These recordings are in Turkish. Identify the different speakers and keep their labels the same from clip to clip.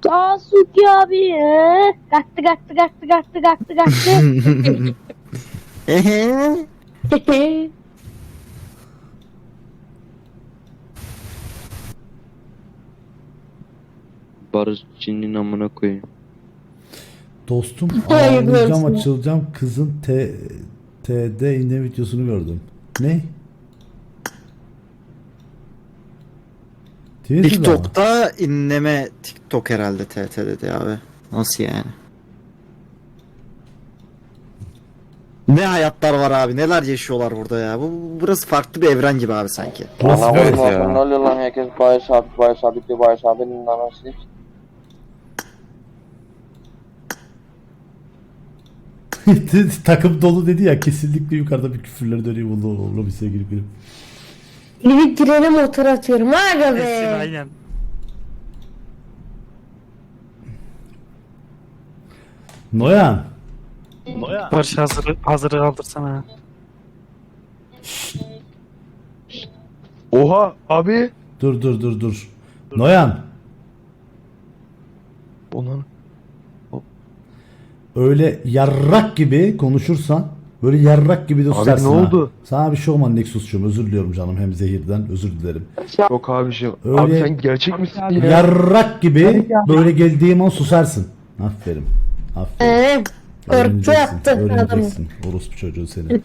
Speaker 1: Sasuke abi. Kaçtı.
Speaker 2: Barışçının amına koyayım.
Speaker 3: Dostum
Speaker 1: Hayırlı
Speaker 3: ağlayacağım
Speaker 1: olsun.
Speaker 3: açılacağım kızın TD inme videosunu gördüm. Ne? Twitter'da mı?
Speaker 4: TikTok'ta inleme TikTok herhalde TT dedi abi. Nasıl yani? Ne hayatlar var abi, neler yaşıyorlar burada ya. Burası farklı bir evren gibi abi sanki.
Speaker 3: Burası
Speaker 2: Evet
Speaker 3: böyle.
Speaker 2: ya.
Speaker 5: Ne oluyor lan, herkes Barış abinin anası.
Speaker 3: Takım dolu dedi ya, kesinlikle yukarıda bir küfürler dönüyor. Vallahi bir sevgili benim.
Speaker 1: Bir trene motor atıyorum. Aga be.
Speaker 6: Aynen.
Speaker 3: Noyan.
Speaker 6: Barış hazırı kaldırsana.
Speaker 7: Oha abi.
Speaker 3: Dur. Noyan.
Speaker 7: Onun
Speaker 3: Öyle yarrak gibi konuşursan, böyle yarrak gibi de
Speaker 7: Abi
Speaker 3: susarsın
Speaker 7: ne
Speaker 3: ha.
Speaker 7: oldu?
Speaker 3: Sana bir şey olmadı Nexus'cum, özür diliyorum canım, hem zehirden özür dilerim.
Speaker 7: yok abiciğim.
Speaker 3: Öyle-
Speaker 7: Abi sen gerçek misin ya?
Speaker 3: Yarrak gibi böyle geldiğim an susarsın. Aferin. Aferin.
Speaker 1: Korktu yaptı adamı.
Speaker 3: Öğreneceksin. Orospu çocuğu seni.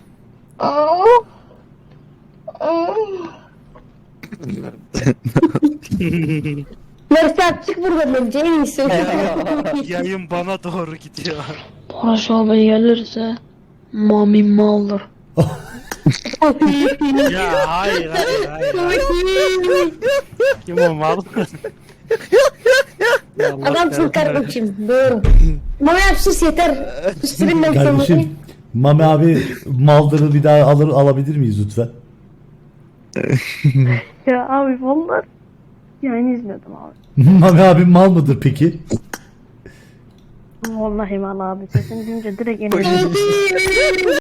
Speaker 1: Mert'e çık buradan bence en iyisi.
Speaker 6: Yayın bana doğru gidiyor.
Speaker 8: Barış abi gelirse mami maldır.
Speaker 6: Ya hayır. Kim o mal? Ya Allah
Speaker 1: Adamsın
Speaker 6: kahretsin.
Speaker 1: kardeşim. Doğru. Mama yap sus yeter. Susturun ben
Speaker 3: Kardeşim, Mami abi maldırı bir daha alabilir miyiz lütfen?
Speaker 8: Ya abi vallahi yani izledim abi.
Speaker 3: Mami abi mal mıdır peki?
Speaker 8: Vallahi mal abi sesini duyunca direkt enerji.